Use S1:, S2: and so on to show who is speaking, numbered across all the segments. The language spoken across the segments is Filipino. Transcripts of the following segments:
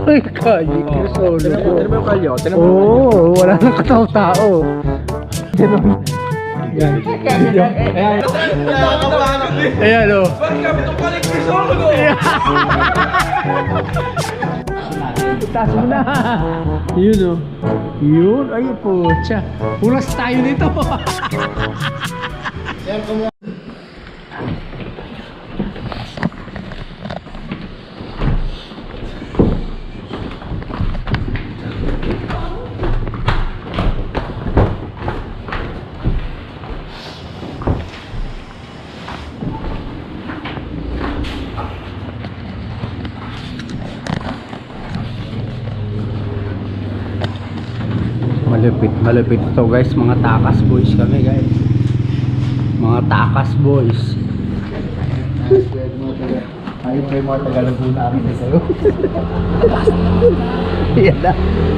S1: Ay, Kalye Crisologo.
S2: Tinan mo yung kalyo.
S1: Oo, wala nang katao-tao. Ganun. Yan. Ayan o.
S2: Bakit kami itong Kalye Crisologo?
S1: Taas mo na. Yun o. Yun. Ay, putya. Ulas tayo nito. Malupit to guys, mga takas boys kami guys. Mga takas boys. Ayun pa yung mga Tagalaguna amin na sa'yo. Yan na.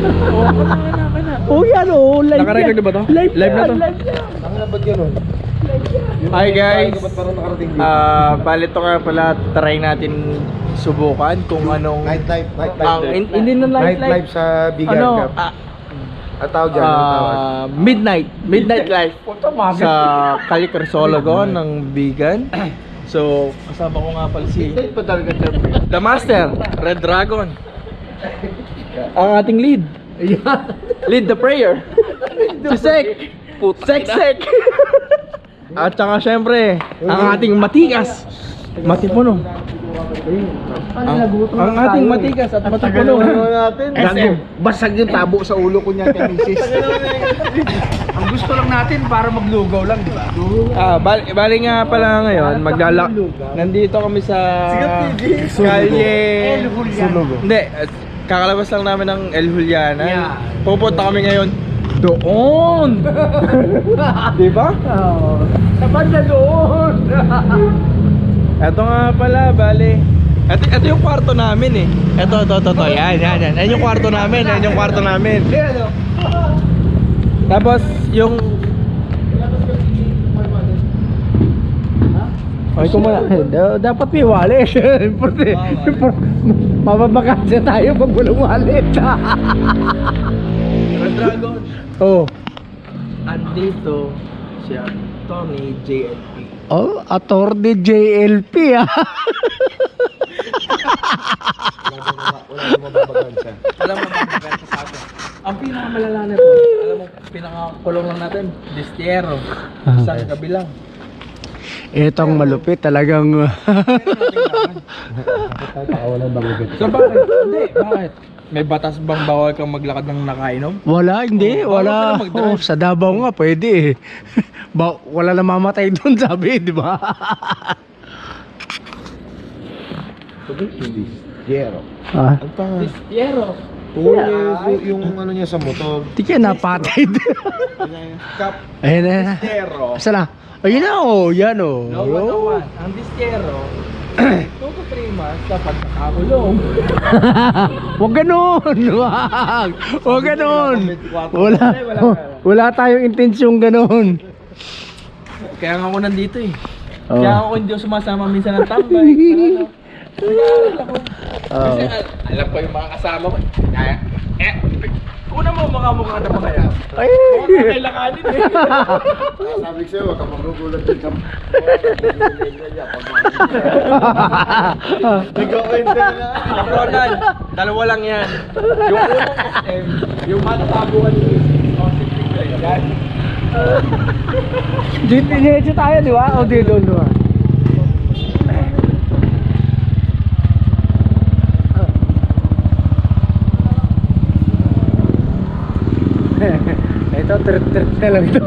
S1: Oh yan o, live
S2: Naka-record na ba to?
S1: Live
S2: na to?
S3: Ang nabad ganun.
S2: Hi guys.
S3: Ba't parang nakarating dito?
S2: Bali ito nga pala, try natin subukan kung anong
S3: Nightlife.
S2: hindi na
S3: Nightlife sa Bigan
S2: ano,
S3: Cup. Ang tawag dyan, ang tawag.
S2: midnight life sa Kalye Crisologo ng Bigan. So, kasama ko nga pala si The Master, Red Dragon. Ang ating lead. Lead the prayer. Si Sek. Sek. At saka syempre, ang ating matikas. Matipuno. Ang ating matikas at matipuno.
S3: Gago, basag yung tabo sa ulo ko niya kay misis.
S1: Ang gusto lang natin para maglugaw lang, di ba?
S2: Bali nga pala ngayon, nandito kami sa Kalye
S3: Sulogo.
S2: Hindi, kakalabas lang namin ng El Juliana. Pupunta kami ngayon doon. Di ba?
S1: Sa banda doon.
S2: Ito nga pala, bali. Ito yung kwarto namin eh. Ito. Yan. Yan yung kwarto namin. Tapos yung
S1: Ay, kumala. Dapat may wallet. Mababakasya tayo pag walang wallet.
S2: Red Dragon.
S1: Oh.
S2: Andito siya, Tony JLP.
S1: Oh, attorney JLP ah.
S3: Wala mo mababagan siya.
S2: Alam mo magkakanta sa atin. Ang pinakamalala na ito, alam mo, pinakakulong lang natin, Destiero. Isang kabilang.
S1: Itong malupit talagang
S3: Pakawalan bang ugat.
S2: So bakit? Hindi, bakit? May batas bang bawal kang maglakad ng nakainom?
S1: wala, hindi,
S2: Oh,
S1: wala.
S2: bawal ka na mag-drive.
S1: Oh, sa Davao nga pwede eh. Wala na mamatay doon sabi, di ba?
S3: Jero.
S1: Ah,
S3: Ang tanga.
S2: Destiero.
S3: Oo, yung ano niya sa motor.
S1: di ka napatay.
S2: Cup.
S1: Ayun na.
S2: Destiero.
S1: Asa na? Ayun na oh, yan oh.
S2: No, 101. Ang Destiero, 2 to 3 months dapat nakakulong.
S1: Huwag ganun. Huwag ganun. Wala tayong intensyong ganun.
S2: Kaya nga ako nandito eh.
S1: Oh.
S2: Kaya ako hindi ako sumasama minsan ng tambay. Kasi alam ko yung mga kasama ko. Una mo mukha na pa kaya.
S1: Ay.
S2: Mukhang kailanganin eh.
S3: Sabi ko sa'yo, wag ka magugulat din sa Nag-o-enter na.
S2: Kapronan, dalawa lang yan. Yung unang SM, yung matatabuhan ni yan.
S1: Dito tayo, di ba? O dito doon, di ba? Ito, trip na lang ito.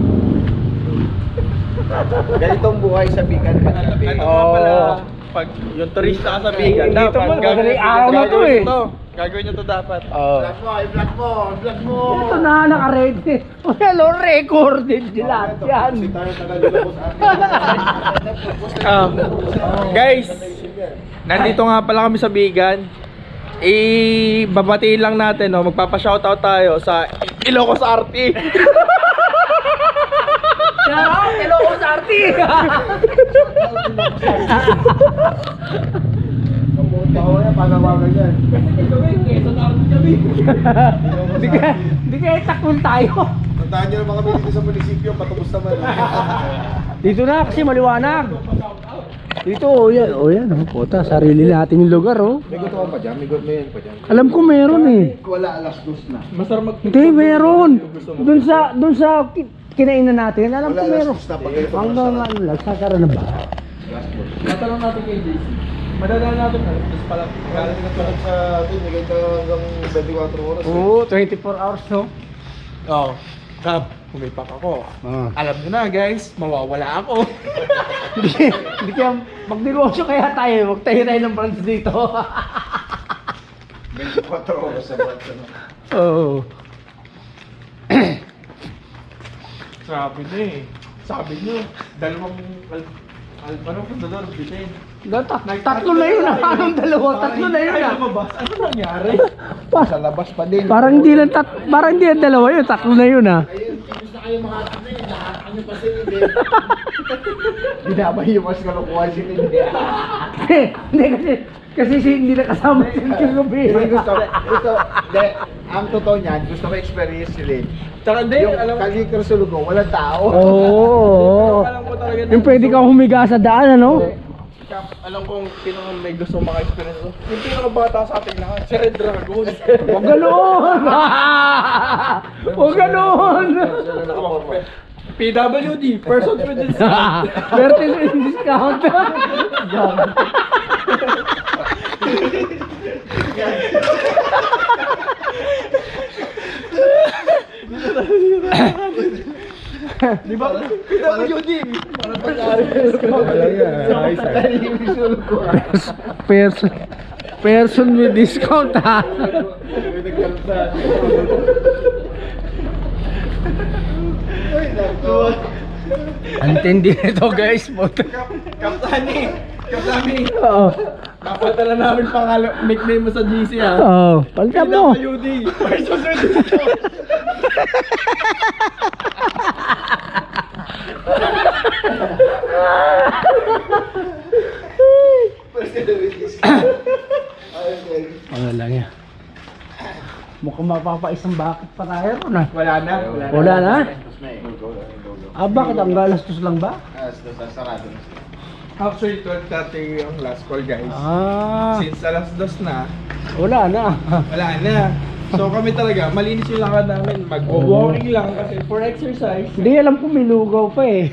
S3: Ganitong buhay sa Bigan ka.
S2: Ano nga pala, pag yung turista ka sa Bigan,
S1: Dito
S2: dapat
S1: mo, madaling araw na to eh.
S2: Gagawin nyo to dapat.
S3: Vlog mo.
S1: Ito na, naka-ready. Hello, recorded lahat yan.
S3: Si tayo taga-lulo sa atin.
S2: Guys, nandito nga pala kami sa Bigan. Babatiin lang natin, no? Magpapa-shoutout tayo sa Ilocos RT.
S1: Ilocos RT.
S3: Bawal yan, panawagan yan.
S1: Di kaya takbol tayo.
S3: Tandaan nyo naman kami dito sa munisipyo, patubos naman.
S1: Dito na kasi maliwanag. Dito, yan. Puta, sarili natin yung lugar, oh.
S3: May gusto pa dyan, may yan pa dyan.
S1: Alam ko meron eh.
S3: Wala, alas dos na.
S2: Masarap mag...
S1: Hindi, meron. Doon sa kinainan natin, alam ko
S3: Wala,
S1: meron.
S3: alas dos na. Pag ito,
S1: Hanggang ano lang, sakaran na ba?
S2: Tatanong natin kay JC. Madadaan natin na. Tapos pala, galing na pala.
S3: sa atin, may ganito hanggang 24 oras.
S1: Oo, 24 hours, no?
S2: Oo. Kap, pumipak ako.
S1: Ah.
S2: Alam nyo na guys, mawawala ako.
S1: Hindi kaya, magnegosyo kaya tayo, magtayo tayo ng branch dito.
S3: 24 oras sa bansa.
S1: Oo.
S2: Sabi nyo eh. Sabi nyo, dalawang ano fundador, bitin.
S1: Tatlo na yun ah. Anong dalawa? Tatlo na yun ah.
S2: Ano nangyari?
S3: Sa labas pa din.
S1: Parang hindi lang dalawa yun, tatlo na yun ah.
S3: Ayun, tapos na kayo mga tatlo yun. Lahat kami pa sila din. Binabay yung mas kalukuhan sila din.
S1: Hindi kasi hindi na kasama si kagabi.
S3: Hindi ang totoo niyan, gusto ko experience sila.
S2: Tsaka hindi,
S3: Yung
S2: alam ko.
S3: Kalikor Sulugo, walang tao.
S1: Oo.
S2: Alam ko talaga.
S1: Yung pwede kang humiga sa daan, ano?
S2: Kap, alam kong pinaka may gusto maka-experience ko. Yung pinaka-bata sa ating lahat, si Red Dragon.
S1: Huwag ganoon! Huwag ganoon!
S2: PWD, persons with discount.
S1: Vertis in discount.
S2: Di ba? PWD. Para
S1: Person with discount, ha? Antindi nito, guys.
S2: Kaptani.
S1: Oo.
S2: Napatala namin nickname mo sa GC ha.
S1: Oo. Palitan mo.
S2: PWD, persons with discount.
S1: Ano lang yan. Mukhang mapapaisang bakit pa tayo ron ah.
S2: Wala na.
S1: Wala na? Ah, bakit? Ang galastos lang ba?
S3: Sarado na.
S2: Actually, 12:30 ang last call guys.
S1: Ah,
S2: Since alas 2 na,
S1: wala na.
S2: wala na. So kami talaga, malinis yung lakad namin. Mag-walking lang kasi for exercise.
S1: Hindi, alam ko may lugaw pa eh.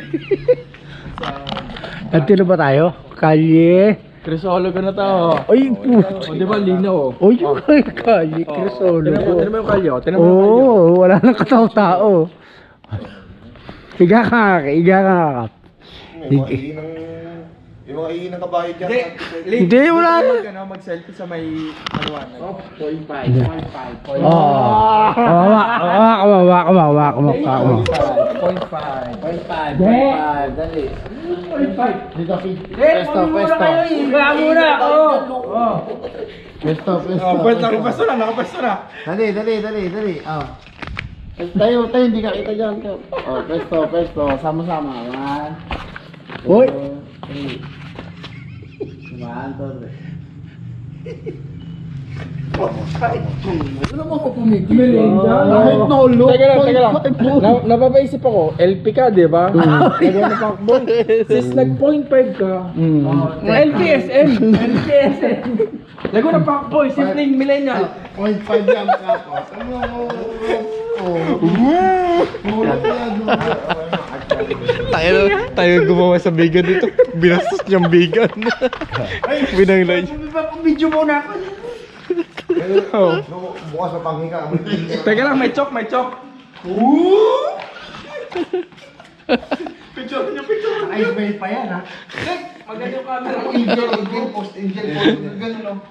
S1: At na ba tayo? Kalye.
S2: Crisologo na to.
S1: Ay,
S2: O di ba linaw?
S1: Oy, kalye, Crisolo.
S2: Tinan mo yung kalyo. Tinan mo yung kalyo.
S1: Oo, wala nang katao-tao. Higa ka, higa ka.
S3: Yung mga iinang kabayo dyan.
S1: Hindi, wala na.
S2: Mag-selfie sa may anuanan. Oh, 0.5.
S1: Kawawa.
S2: 0.5.
S3: Dali.
S2: 0.5.
S3: Dito, Pesto.
S1: Higa muna, oo.
S3: Pesto.
S2: Nakapesto na.
S3: Dali. Oh. Tayo, hindi ka kita dyan. Oh, pesto. Sama-sama. 1,
S1: Hoy.
S3: 2, 3. 1, 2, 3. Ano mo ko pumigil? Kahit nolo.
S2: Teka lang. Napapaisip ako, LP ka, di ba? Nagawa na pakbol. Since nag-0.5 ka, LPSM. Lago na pakboy, simpleng millennial.
S3: 0.5 yan tapos.
S2: Tayo gumawa sa vegan dito. Binastos niyang vegan. Binanglay.
S1: Video muna ako.
S3: Bukas sa panghinga.
S2: Teka lang, may chok. Picture.
S3: Ice bay pa yan ha.
S2: Maganda yung camera mo.
S3: Angel post. Ganun o.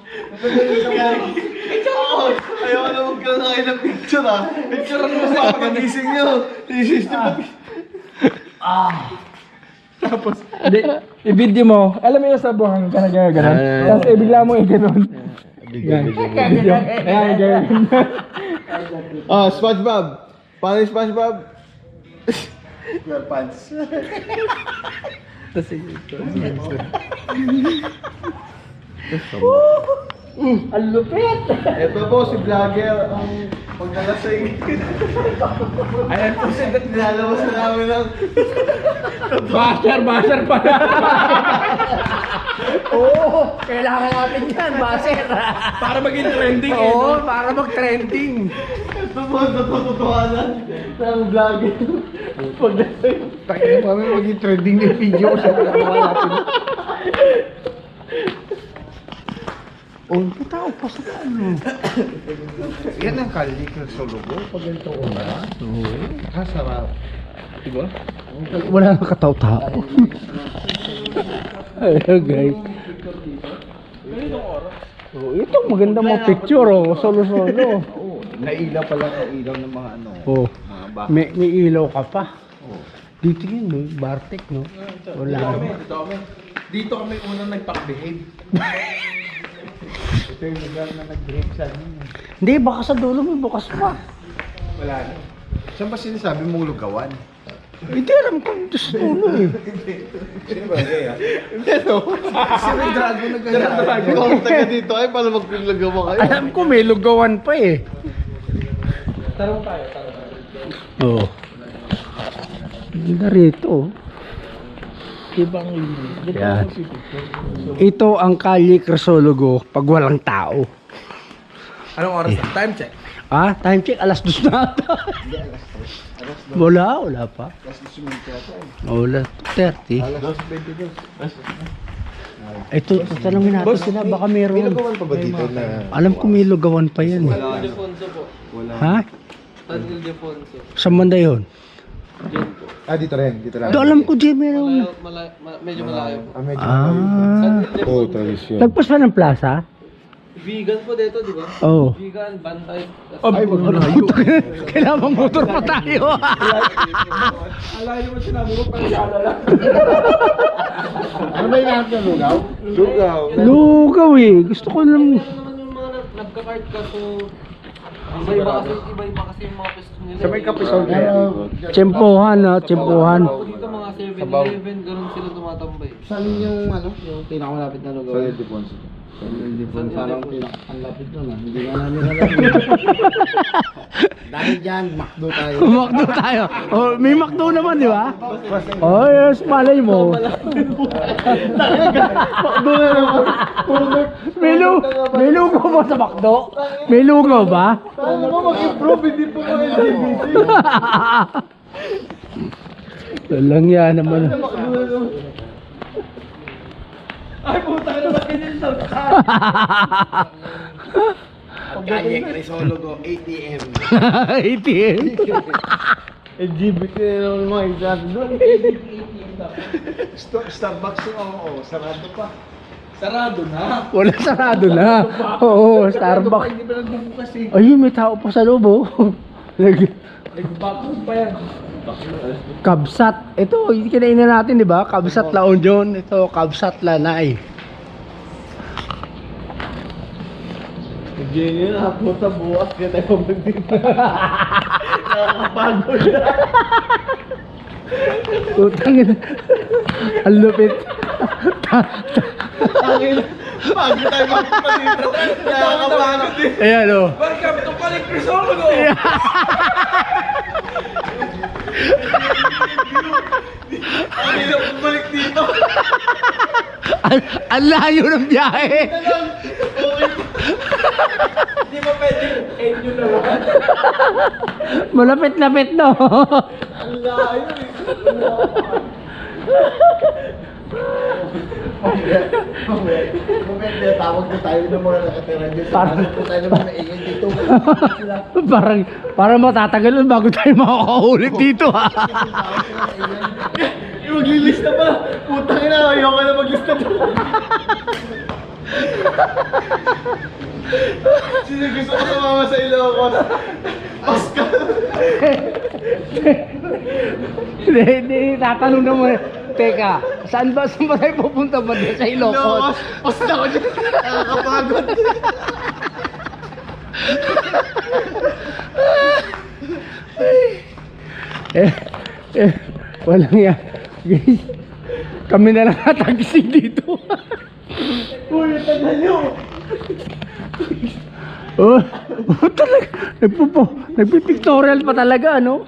S2: Ayaw na magkakain ng picture ha. Picture mo sa pag-gising nyo. Tapos, i-video mo. Alam mo yung sa buhang ka na gano'n. Tapos bigla mo i-ganon. Ayan, gano'n.
S3: Oh, SpongeBob. Paano yung SpongeBob? Your pants.
S2: Tapos ito.
S1: Ang lupit!
S3: Ito po si vlogger ang paglalasing. Ayan po siya nilalabas na namin ng
S1: Basher pala! Oo, kailangan natin yan, basher!
S2: Para maging trending eh.
S1: Oo, para mag-trending!
S3: ito po natututuhanan ng vlogger. Paglalasing. Tayo kami maging trending yung video sa pagkakawa natin.
S1: Oh, tao pa sa ano?
S3: Yan ang kalikal sa logo. Pag ganito ko na. Oo. Kasarap. Diba?
S1: Wala nang kataw-tao. Ayun guys. Oh, ito maganda mo picture oh, solo-solo.
S3: Oo. Nailaw pala ang ilaw ng mga ano.
S1: Oh.
S3: Mga baka.
S1: May ilaw ka pa.
S3: Oo.
S1: Dito yun, no? Bartek, no? Wala.
S2: Dito kami unang nagpakbehave.
S3: Ito yung lugar na nag-break sa amin.
S1: Hindi, baka sa dulo may bukas pa.
S3: Wala na. Saan ba sinasabi mong lugawan?
S1: Hindi alam kung sa dulo eh.
S3: Sino ba kaya? Hindi no. Si Red Dragon nag-gaya. Ikaw ang taga dito ay para magpilagawa kayo.
S1: Alam ko may lugawan pa eh.
S2: Tarong tayo.
S1: Oo. Oh. Ganda rito oh.
S2: Ibang
S1: Yan. Ito ang Kalye Crisologo pag walang tao.
S2: Anong oras? Time check.
S1: Ah, time check, alas 2 na ata. Wala pa. Wala, 2:30.
S3: Alas 22.
S1: Ito, tanongin natin sila, baka meron.
S3: May lugawan pa ba dito na?
S1: Alam ko may lugawan pa yan. Eh.
S3: Wala.
S1: Ha? Saan banda yun?
S3: Ah, dito rin. Dito lang.
S1: Do, alam ko dyan meron.
S4: Medyo malayo po.
S3: Ah, medyo.
S1: Ah.
S3: Oo, tradisyon.
S1: Lagpas pa ng plaza?
S4: Vegan po dito, di ba?
S1: Oo. Oh.
S4: Vegan, bantay.
S3: Ay, wag mo na.
S1: Kailangan motor pa tayo.
S2: Alayo mo sinabi mo pang alala.
S3: Ano ba yung lahat ng lugaw? Lugaw.
S1: Lugaw eh. Gusto ko lang.
S4: Ano naman yung mga nagka-card ka so iba-iba kasi yung mga pwesto nila.
S3: Sa may kapisol na yan.
S1: Tsempohan ha, tsempohan.
S4: Dito mga 7-Eleven, ganun sila tumatambay.
S3: Saan yung ano? Yung pinakamalapit na lugaw? Sa Ildefonso. Sa Ildefonso. Parang pinakamalapit na na. Hindi na namin alam. Dahil dyan, McDo tayo.
S1: Makdo tayo. Oh, may makdo naman, di ba? Oh, yes, malay mo.
S3: McDo na naman.
S1: May lugaw ba sa makdo? May lugaw ba?
S3: Ano mo mag-improve? Hindi po mga LGBT.
S1: Walang yan naman.
S2: Ay puta ka naman ganyan sa
S3: Kalye Crisologo, ATM.
S1: ATM.
S3: LGBT na naman mga exam doon. Starbucks yung oo, sarado pa.
S2: sarado na.
S1: Wala, sarado na. Oo, Starbucks.
S3: Hindi pa nagbubukas eh.
S1: Ayun, may tao pa sa loob oh.
S2: Nag-backroom pa yan.
S1: Kabsat. Ito, kinainan natin, di ba? Kabsat Laon John. Ito, Kabsat Lanay.
S3: Ganyan na, puta bukas kaya tayo magdito. Nakakapagod na.
S1: Utang ina. Ang lupit.
S3: Pagod tayo magpapalito. Nakakapagod eh.
S1: Ayan o.
S2: Welcome to Kalye Crisologo!
S3: Ang hirap bumalik dito.
S1: Ang layo ng biyahe.
S2: Hindi mo pwedeng end yun naman.
S1: Malapit-lapit no.
S3: Ang layo eh. Moment, tawag na tayo ng mga nakatira dito. Parang po tayo naman maingay dito.
S1: parang matatagalan bago tayo makakaulit dito ha.
S3: Maglilista pa. Putang ina, ayoko na maglista pa. Sino gusto ko sumama sa Ilocos? Pascal.
S1: Hindi, tatanong naman. Teka, saan ba tayo pupunta ba dyan sa Ilocos?
S3: Basta ko dyan. Nakakapagod.
S1: Walang yan. Guys, kami na lang natagising dito.
S3: Uy, tagal nyo!
S1: Oh, talaga. Nagpipictorial pa talaga, ano?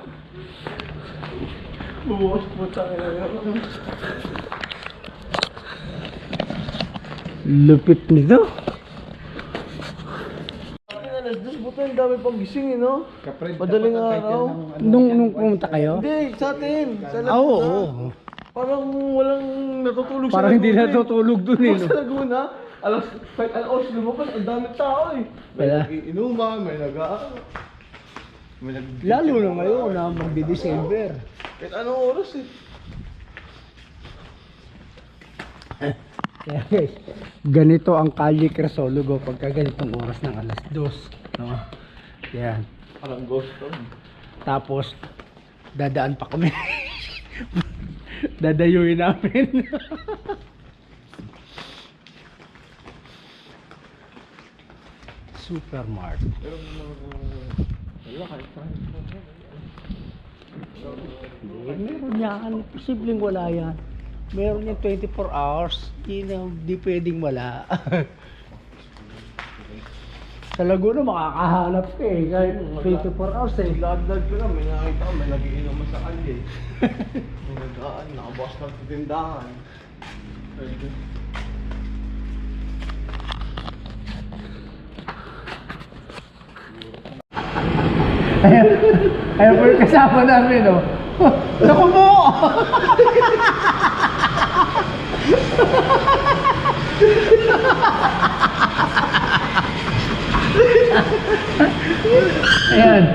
S3: Buwas po tayo.
S1: Lupit nito.
S3: Alas 2, buta yung dami pang gising, no? Madaling araw.
S1: Nung pumunta kayo?
S3: Hindi, sa atin. Sa
S1: Ah, oo.
S3: Laguna. Parang walang natutulog sa
S1: Parang hindi
S3: Laguna, eh.
S1: natutulog dun eh.
S3: Sa Laguna, kahit alas lumabas, ang daming tao eh. May
S1: Wala.
S3: nag-iinuman, may
S1: Lalo na ngayon na magdi-December.
S3: kahit anong oras eh.
S1: Kaya guys, ganito ang Kalye Crisologo pagka ganitong oras ng alas 2. No? Yan.
S3: Parang ghost town.
S1: Tapos, dadaan pa kami. Dadayuin namin. Supermart.
S3: Wala kahit saan.
S1: Meron yan. Posibleng wala yan. Meron yan 24 hours. Di pwedeng wala. Sa Laguna makakahanap ka eh. Kahit 24 hours eh.
S3: Lag-lag ko lang, may nakita ko, may nagiinuman sa kalye. May nag-aan, nakabukas ng tindahan.
S1: Ayun po yung kasama namin, no? Naku mo! Ayan.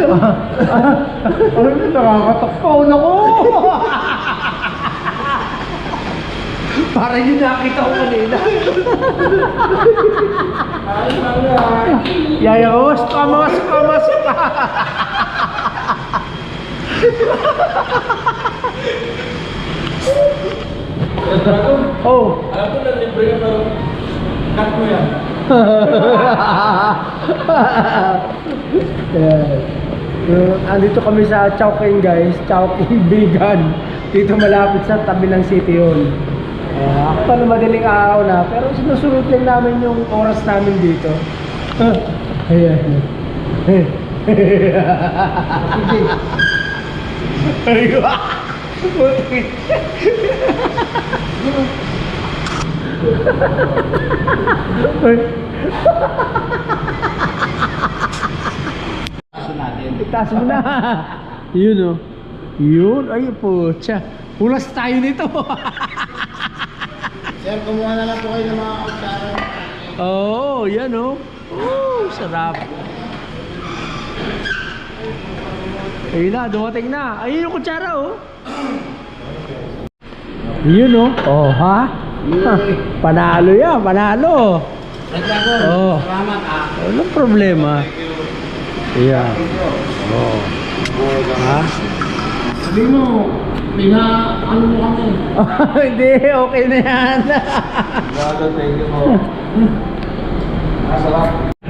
S1: Ano yun? Nakakatakpaw na ko! Parang yun nakita ko kanina. Yaya ko, kamas ka! Oh.
S2: Alam ko na libre ka pero cut mo yan.
S1: Andito kami sa Chowking guys, Chowking Vegan. Dito malapit sa tabi ng City Hall. Actually madaling araw na, pero sinusunod lang namin yung oras namin dito. Ayan. Itaas mo na. Yun oh. Yun. Ay po. Tsa. Hulas tayo nito.
S3: Sir, kumuha na lang po kayo ng mga kutsara.
S1: Oh, yan oh. Oh, sarap. Ayun na, dumating na. Ayun yung kutsara oh. Yun oh. Oh, ha? Panalo yan, panalo. Oh.
S3: Salamat ah.
S1: Walang problema. Ayan. Oh. Ha?
S3: Sabi mo, ano mo kami?
S1: Hindi, okay na yan.
S2: Brother, thank you po. Masarap.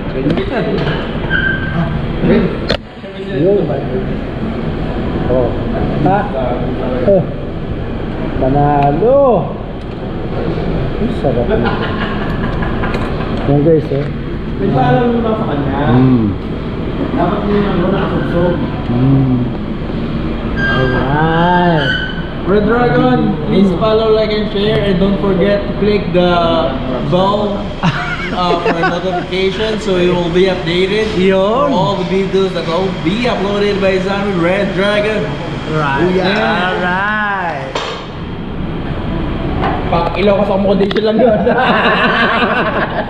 S1: Yun. Oh. Ha? Oh. Panalo. Ay, sarap. Yan guys eh.
S3: May paalam mo ba sa kanya? Dapat mo yung nakasugsog.
S1: Alright.
S2: Red Dragon, please follow, like, and share, and don't forget to click the bell for notification so you will be updated
S1: Yun.
S2: for all the videos that will be uploaded by Zami Red Dragon.
S1: Right.
S2: Yeah.
S1: Alright.
S2: Pag ilaw ka sa accommodation lang yun.